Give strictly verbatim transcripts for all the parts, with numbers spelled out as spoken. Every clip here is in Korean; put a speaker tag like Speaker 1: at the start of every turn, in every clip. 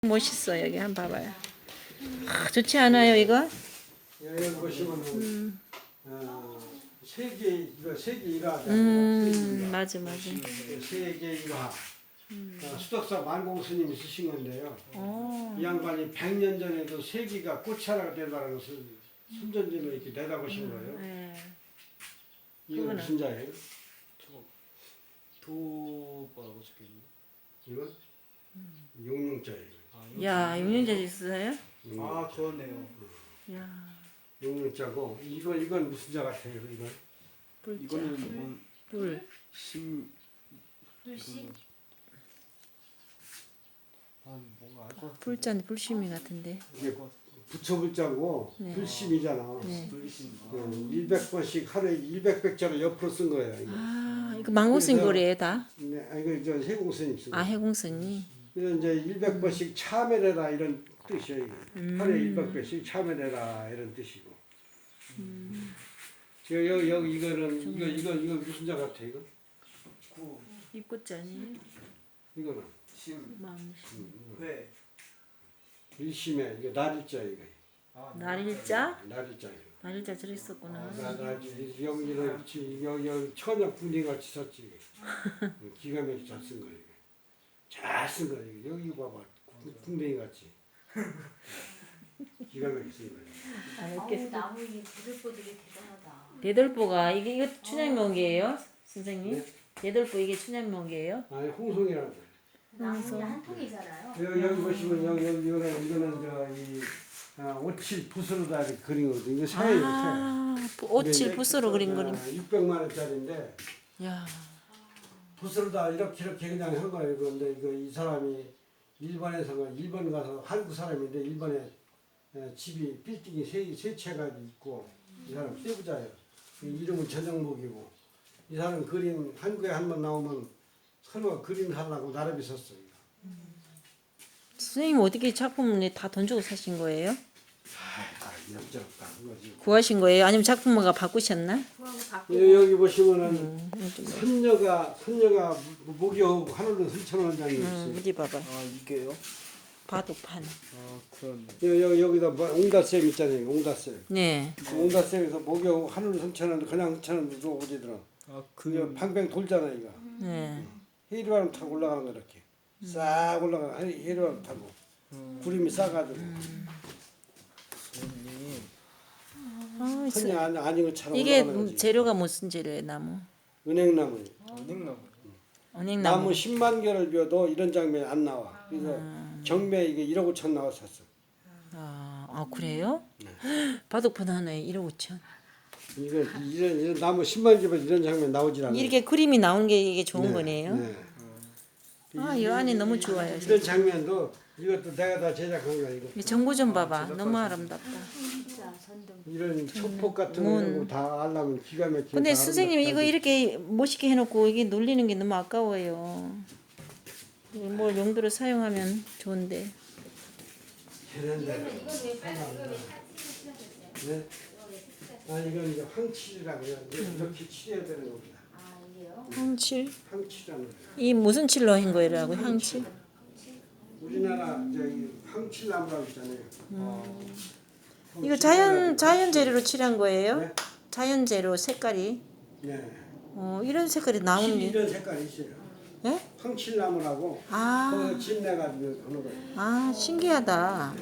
Speaker 1: 멋있어. 여기 한번 봐봐요. 아, 좋지 않아요 이거?
Speaker 2: 여기 보시면은 음. 어, 세계 이거 세계 일화잖아요.
Speaker 1: 음 맞아 맞아.
Speaker 2: 세계 일화. 음. 어, 수덕사 만공 스님이 쓰신 건데요.
Speaker 1: 오.
Speaker 2: 이 양반이 백 년 전에도 세계가 꽃차라가 된다는 것을 순전지로 이렇게 내다보신 거예요.
Speaker 1: 네.
Speaker 2: 이거
Speaker 1: 그거는?
Speaker 2: 무슨 자예요?
Speaker 3: 저 도뭐라고 적혀있나요?
Speaker 2: 이건 용룡자예요.
Speaker 3: 아,
Speaker 1: 야 용인자지 있어요?
Speaker 3: 아 그러네요.
Speaker 1: 야
Speaker 2: 용룡자고 이거 이건 무슨 자 같아요? 이건
Speaker 1: 불자.
Speaker 3: 이거는 뭐
Speaker 1: 불.
Speaker 3: 심
Speaker 4: 불씨?
Speaker 3: 아 뭔가 알것 같아.
Speaker 1: 불자는 불심이 같은데.
Speaker 2: 이게 부처불자고
Speaker 1: 네.
Speaker 2: 불심이잖아.
Speaker 1: 네.
Speaker 3: 불심. 아,
Speaker 2: 어, 일백 번씩 하루에 일백 백자를 옆으로 쓴 거예요. 이거.
Speaker 1: 아 이거 망고스님
Speaker 2: 그래서-
Speaker 1: 거래요 다?
Speaker 2: 네, 아, 이거 저 해공스님 쓰고.
Speaker 1: 아 해공스님.
Speaker 2: 그래서 이제 일백 번씩 참여해라 이런 뜻이에요. 이게.
Speaker 1: 음.
Speaker 2: 하루에 일백 번씩 참여해라 이런 뜻이고. 저 여기 여기 이거는 이거 이거 이거 무슨 자 같아 이거?
Speaker 3: 구,
Speaker 1: 입꽃자니.
Speaker 2: 이거는
Speaker 3: 심,
Speaker 1: 망심.
Speaker 3: 회.
Speaker 2: 일심에 이거 날일자 이거.
Speaker 3: 아,
Speaker 1: 날일자?
Speaker 2: 날일자 이거.
Speaker 1: 날일자 들어있었구나.
Speaker 2: 나, 나, 여기는 지- 여기 여기 천연 군인 같이 썼지. 이거. 기가 막히게 잘 쓴 거야 이거. 잘 쓴 거야 이거. 여기 봐봐. 군뱅이 같이. 기가 막히게 쓴 거야.
Speaker 1: 아,
Speaker 4: 아우
Speaker 1: 이렇게
Speaker 4: 나무 이 부들보들이 대단하다.
Speaker 1: 대돌보가 이게 이거 춘향명기예요, 선생님?
Speaker 2: 네?
Speaker 1: 대돌보 이게 춘향명기예요?
Speaker 2: 아니 홍송이라는 거야.
Speaker 4: 나무는 한 통이잖아요.
Speaker 2: 여기, 여기 보시면 여기 여기 이거는 이거는 저이 아, 오칠 붓으로다 이렇게 그린 거거든. 이거 새예요,
Speaker 1: 아,
Speaker 2: 새.
Speaker 1: 오칠 붓으로 그린 그림.
Speaker 2: 육백만 원짜리인데
Speaker 1: 야,
Speaker 2: 붓으로다 이렇게 이렇게 그냥 한 거예요. 그런데 이거 이 사람이 일본에서 일본 가서 한국 사람인데 일본에 에, 집이 빌딩이 세, 세 채가 있고 이 사람 세부자예요. 이름은 전영목이고 이 사람 그림 한국에 한 번 나오면 설마 그림 하려고 나름이 썼어요.
Speaker 1: 선생님 어떻게 작품을 다 돈 주고 사신 거예요?
Speaker 2: 아, 이런저런 한 거지.
Speaker 1: 구하신 거예요? 아니면 작품마가 바꾸셨나?
Speaker 4: 그거하고
Speaker 2: 여-
Speaker 4: 바꾸고
Speaker 2: 여기 보시면은
Speaker 1: 음, 좀 뭐.
Speaker 2: 선녀가 선녀가 목욕 하늘로 설쳐놓은 장면이
Speaker 1: 음,
Speaker 2: 있어요.
Speaker 1: 어디 봐봐.
Speaker 3: 아 이게요?
Speaker 1: 바둑판.
Speaker 3: 아 그렇네.
Speaker 2: 여, 여, 여기다 뭐 옹다쌤 있잖아요. 옹다쌤.
Speaker 1: 네.
Speaker 2: 옹다쌤에서 목욕 하늘로 설쳐놓는데 그냥 설쳐놓는데 오지더라.
Speaker 3: 아
Speaker 2: 그게
Speaker 3: 그.
Speaker 2: 팡팡 돌잖아 이거.
Speaker 1: 네.
Speaker 2: 해리바람 타고 올라가는 거 이렇게. 싹 올라가 해리바람 타고 구름이 싸가지고
Speaker 3: 선생님.
Speaker 1: 아, 이
Speaker 2: 선녀 아니 아닌 것처럼
Speaker 1: 이게
Speaker 2: 올라가는 거지.
Speaker 1: 재료가 무슨 재료예요? 나무.
Speaker 2: 은행나무.
Speaker 3: 은행나무.
Speaker 1: 언행나무.
Speaker 2: 나무 십만 개를 비워도 이런 장면이 안 나와. 그래서 경매 이게 일억 오천 나왔었어.
Speaker 1: 아, 아 그래요?
Speaker 2: 네.
Speaker 1: 바둑판 하나에 일억 오천.
Speaker 2: 이거 이런, 이런 나무 십만 개면 이런 장면 나오질 않아요.
Speaker 1: 이렇게 그림이 나오는 게 이게 좋은
Speaker 2: 네,
Speaker 1: 거네요.
Speaker 2: 네.
Speaker 1: 아, 이 안이 너무 좋아요.
Speaker 2: 이런 장면도 이것도 내가 다 제작한 거야 이거.
Speaker 1: 이 정보 좀 봐봐. 너무 아름답다.
Speaker 4: 진짜 전등.
Speaker 2: 이런 초폭 같은
Speaker 1: 문.
Speaker 2: 거 다 하려면 기가 막히게.
Speaker 1: 근데
Speaker 2: 다
Speaker 1: 선생님 이거
Speaker 2: 아름답게
Speaker 1: 이렇게 멋있게 해놓고 이게 놀리는 게 너무 아까워요. 이걸 뭘 용도로 사용하면 좋은데.
Speaker 2: 되는데.
Speaker 4: 이건 왜 빨간 이거 왜 사진을 칠하셨어요?
Speaker 2: 네? 아 이건 이제 황칠이라고요. 이제 이렇게 칠해야 되는 겁니다.
Speaker 4: 아 이게요?
Speaker 1: 황칠?
Speaker 2: 황칠이라는 거예요.
Speaker 1: 이 무슨 칠로 한 거라고? 황칠?
Speaker 2: 우리나라 저기 황칠나무라고 있잖아요.
Speaker 1: 이거 자연 자연 재료로 칠한 거예요?
Speaker 2: 네?
Speaker 1: 자연 재료 색깔이.
Speaker 2: 네.
Speaker 1: 어 이런 색깔이 나오는 게.
Speaker 2: 이런 색깔이 있어요.
Speaker 1: 예?
Speaker 2: 황칠나무라고
Speaker 1: 아,
Speaker 2: 그거 집 내가지고 하는 거예요.
Speaker 1: 아 신기하다.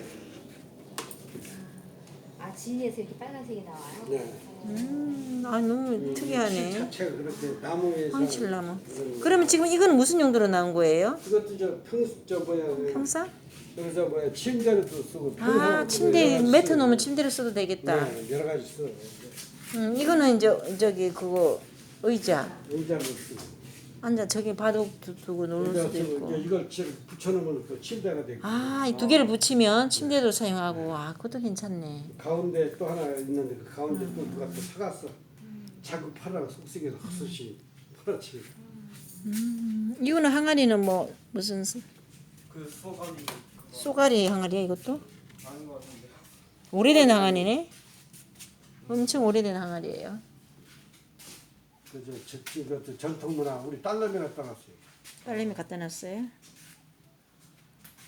Speaker 4: 아 진에서 이렇게 빨간색이 나와요?
Speaker 2: 네.
Speaker 1: 음, 아 너무
Speaker 2: 칠
Speaker 1: 특이하네.
Speaker 2: 자체가 그렇게 나무에서
Speaker 1: 황칠나무.
Speaker 2: 그런 거.
Speaker 1: 그러면 지금 이거는 무슨 용도로 나온 거예요?
Speaker 2: 이것도 저평저 뭐야 그
Speaker 1: 평사?
Speaker 2: 그래서 뭐야 침대로도 쓰고
Speaker 1: 아
Speaker 2: 평상도
Speaker 1: 침대
Speaker 2: 여러 가지
Speaker 1: 매트
Speaker 2: 쓰고.
Speaker 1: 놓으면 침대로 써도 되겠다.
Speaker 2: 네, 여러 가지 써.
Speaker 1: 음, 이거는 이제 저기 그거 의자.
Speaker 2: 의자도 쓰고.
Speaker 1: 앉아 저기 바둑 두- 두고 놀
Speaker 2: 의자
Speaker 1: 수도
Speaker 2: 쓰고
Speaker 1: 있고.
Speaker 2: 이제 이걸 칠- 붙여놓으면 그 침대가 되고.
Speaker 1: 아, 이 두 개를 붙이면 침대도 사용하고. 아, 그것도 괜찮네.
Speaker 2: 가운데 또 하나 있는데 그 가운데 또 누가 또 사갔어. 자꾸 팔아가 속쓰게서 헛소시 팔았지.
Speaker 1: 음, 이거는 항아리는 뭐 무슨 수-
Speaker 3: 그 수업하니
Speaker 1: 쏘가리 항아리야 이것도?
Speaker 3: 아닌 것 같은데.
Speaker 1: 오래된 항아리네. 엄청 오래된 항아리예요.
Speaker 2: 그저 저, 저, 전통문화 우리 딸내미 갖다 놨어요.
Speaker 1: 딸내미 갖다 놨어요.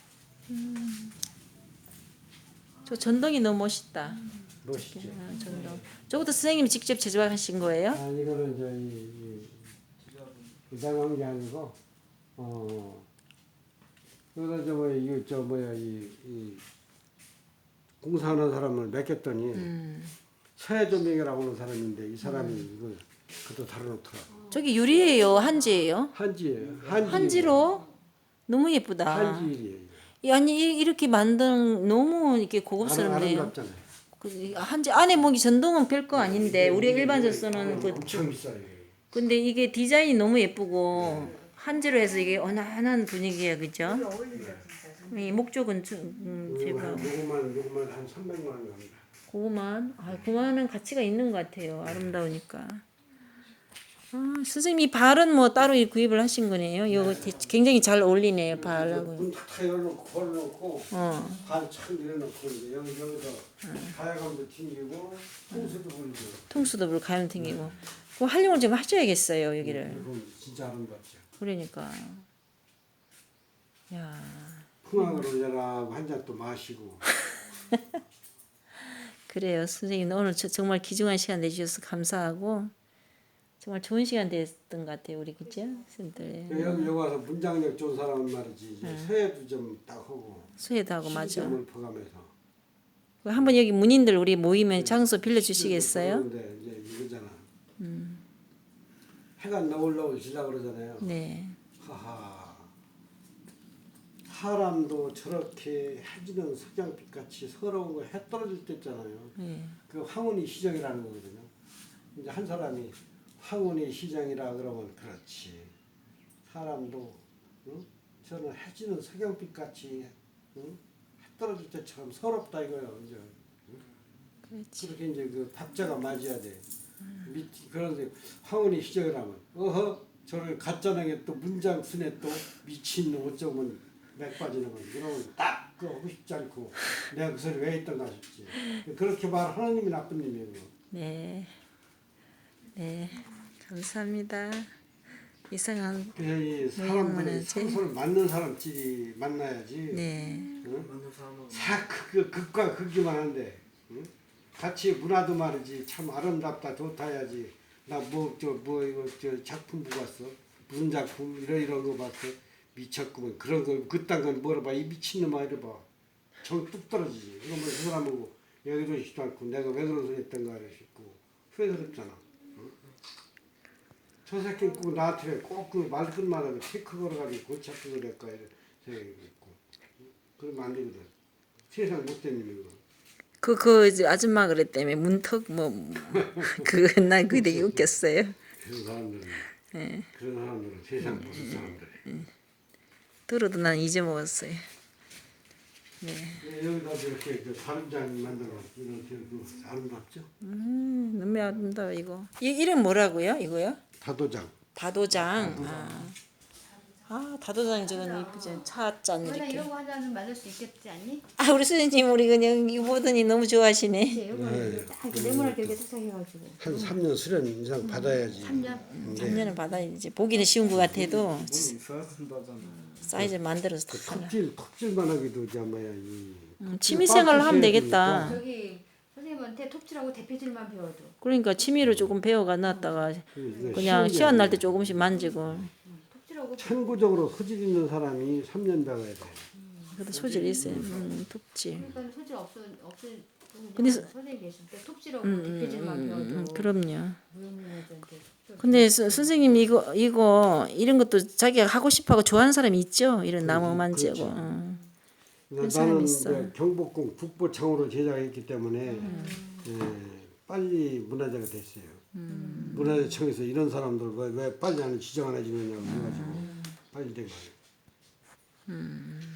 Speaker 1: 저 전등이 너무 멋있다.
Speaker 2: 멋있죠.
Speaker 1: 아, 전등. 저것도 선생님이 직접 제작하신 거예요?
Speaker 2: 아 이거는 이제 이, 이 이상한 게 아니고 어 그래서 저 뭐야 이거 저 뭐야 이, 이 공사하는 사람을 맡겼더니
Speaker 1: 음.
Speaker 2: 서해조명이라고 하는 사람인데 이 사람이 이거 그것도 다뤄놓더라.
Speaker 1: 저기 유리예요, 한지예요?
Speaker 2: 한지예요. 한지.
Speaker 1: 한지로 너무 예쁘다.
Speaker 2: 한지일이에요.
Speaker 1: 이- 아니 이- 이렇게 만든 너무 이렇게
Speaker 2: 아름-
Speaker 1: 고급스럽네요.
Speaker 2: 아름답잖아요.
Speaker 1: 그 한지 안에 뭐 전동은 별거 아닌데 우리가 일반적으로 쓰는 그
Speaker 2: 엄청 비싸요.
Speaker 1: 근데 이게 디자인이 너무 예쁘고 한지로 해서 이게 어난한 분위기야, 그죠? 이 목적은 주- 음, 제가
Speaker 2: 요거만 요거만 한 삼백만 원 갑니다.
Speaker 1: 고구만 아 고구마는 가치가 있는 것 같아요. 아름다우니까. 아, 선생님 이 발은 뭐 따로 구입을 하신 거네요. 이거 대- 굉장히 잘 어울리네요, 발하고.
Speaker 2: 문다 열어놓고 걸어놓고
Speaker 1: 어.
Speaker 2: 발참 밀어놓고 이제 여기 여기서 가야감도 튕기고 홍수도 불고.
Speaker 1: 통수도 불 가면 튕기고. 그 활용을 좀 하셔야겠어요, 여기를.
Speaker 2: 이건 진짜 아름답죠.
Speaker 1: 그러니까. 야.
Speaker 2: 풍악으로 내가 한 잔 또 마시고.
Speaker 1: 그래요. 선생님 오늘 저- 정말 귀중한 시간 내주셔서 감사하고 정말 좋은 시간 됐던 것 같아요. 우리 그죠? 선생님들.
Speaker 2: 여기 여기 와서 문장력 좋은 사람은 말이지 이제 서예도 좀 딱 하고
Speaker 1: 수혜도 하고 맞아.
Speaker 2: 시점을 퍼가면서.
Speaker 1: 한번 여기 문인들 우리 모이면 장소 빌려주시겠어요?
Speaker 2: 그런데 이제 이거잖아. 해가 너울너울 지려 그러잖아요.
Speaker 1: 네.
Speaker 2: 하하. 사람도 저렇게 해지는 석양빛 같이 서러운 거 해 떨어질 때 있잖아요.
Speaker 1: 네.
Speaker 2: 그 황혼이 시정이라는 거거든요. 이제 한 사람이 황혼이 시정이라 그러면 그렇지. 사람도 응? 저는 해지는 석양빛 같이 응? 해 떨어질 때처럼 서럽다 이거예요. 이제
Speaker 1: 그렇지.
Speaker 2: 그렇게 이제 그 박자가 맞아야 돼. 밑 그런데 황혼이 시정이라면 어허 저를 가짜나게 또 문장 순에 또 미친 어쩌면 맥 빠지는 거지. 그러면 딱 그거 하고 싶지 않고 내가 그 소리 왜 했던가 싶지. 그렇게 말 하나님이 나쁜 놈이에요.
Speaker 1: 네. 네. 감사합니다. 이상한
Speaker 2: 그래서 이
Speaker 1: 모양만
Speaker 2: 사람들이
Speaker 1: 하지.
Speaker 2: 상소를 맞는 사람끼리 만나야지.
Speaker 1: 네.
Speaker 2: 응?
Speaker 3: 맞는 사람은
Speaker 2: 다 그, 극과 극이만 한데 응? 같이 문화도 말이지 참 아름답다 좋다 해야지. 나 뭐 저 뭐 이거 저 작품 보고 왔어. 무슨 작품 이런 이런 거 봤어. 미쳤구먼 그런 거 그딴 건 뭐라 이 미친놈아 이래 봐. 정 뚝 떨어지지. 그러면 그 사람 보고 여기도 싶지도 않고 내가 왜 그런 소리 했던가 싶고 후회스럽잖아. 응? 저 새끼 꼭 나한테 꼭 그 말끝마다 체크 걸어가지고 고착도 그럴까 이런 생각이 있고 응? 그러면 안 되거든. 세상 못된 놈이고.
Speaker 1: 그, 그, 이제 아줌마 그랬다며, 문턱, 뭐, 그, 난 그게 되게 웃겼어요.
Speaker 2: 그런 사람들은
Speaker 1: 예.
Speaker 2: 그런 사람들은 세상 무슨 사람들이.
Speaker 1: 들어도 난 잊어먹었어요. 네.
Speaker 2: 예, 여기다 이렇게 그 다림장 만들어 이렇게 그 아름답죠?
Speaker 1: 음, 너무 아름다워, 이거. 이, 이름 뭐라고요, 이거요?
Speaker 2: 다도장.
Speaker 1: 다도장. 아, 아 다도장이 저건 이쁘지. 차잔
Speaker 4: 너나
Speaker 1: 이렇게.
Speaker 4: 이런 거 하나는 만들 수 있겠지 않니?
Speaker 1: 아, 우리 선생님, 우리 그냥 이거 보더니 너무 좋아하시네.
Speaker 4: 그치? 이거
Speaker 2: 네.
Speaker 4: 딱 네모나게 이렇게 탁탁해가지고
Speaker 2: 한 삼 년 수련 이상 받아야지.
Speaker 4: 삼 년?
Speaker 1: 삼 년을 받아야지. 보기는 쉬운 것 같아도
Speaker 3: 돈 있어야 된다잖아.
Speaker 1: 사이즈 만들어서
Speaker 2: 그
Speaker 1: 딱 하나.
Speaker 2: 톱질 톱질만 하기도 이제 뭐야 이.
Speaker 1: 음, 취미생활을 하면 되겠다.
Speaker 4: 저기 선생님한테 톱질하고 대패질만 배워도
Speaker 1: 그러니까 취미로 조금 배워가 놨다가
Speaker 2: 그
Speaker 1: 그냥
Speaker 2: 쉬운 게
Speaker 1: 시간 날 때
Speaker 2: 아니야.
Speaker 1: 조금씩 만지고.
Speaker 4: 톱질하고
Speaker 2: 천부적으로 소질 있는 사람이 삼 년 배워야 돼.
Speaker 1: 그래도 소질이 있어요. 음, 톱질.
Speaker 4: 그러니까 소질 없어 없어
Speaker 1: 근데 서-
Speaker 4: 선생님 계실 때 톱질하고
Speaker 1: 음, 음,
Speaker 4: 대패질만
Speaker 1: 음,
Speaker 4: 배워도
Speaker 1: 음, 그럼요.
Speaker 4: 무용인한테
Speaker 1: 근데 서, 선생님 이거 이거 이런 것도 자기가 하고 싶어하고 좋아하는 사람이 있죠. 이런 나무 만지고.
Speaker 2: 그렇죠.
Speaker 1: 어.
Speaker 2: 나-
Speaker 1: 사람이
Speaker 2: 나는
Speaker 1: 있어.
Speaker 2: 이제 경복궁 북보창으로 제작했기 때문에 예, 빨리 문화재가 됐어요. 문화재청에서 이런 사람들 왜, 왜 빨리 안 지정 안 해주느냐고 해가지고 빨리 된 거예요.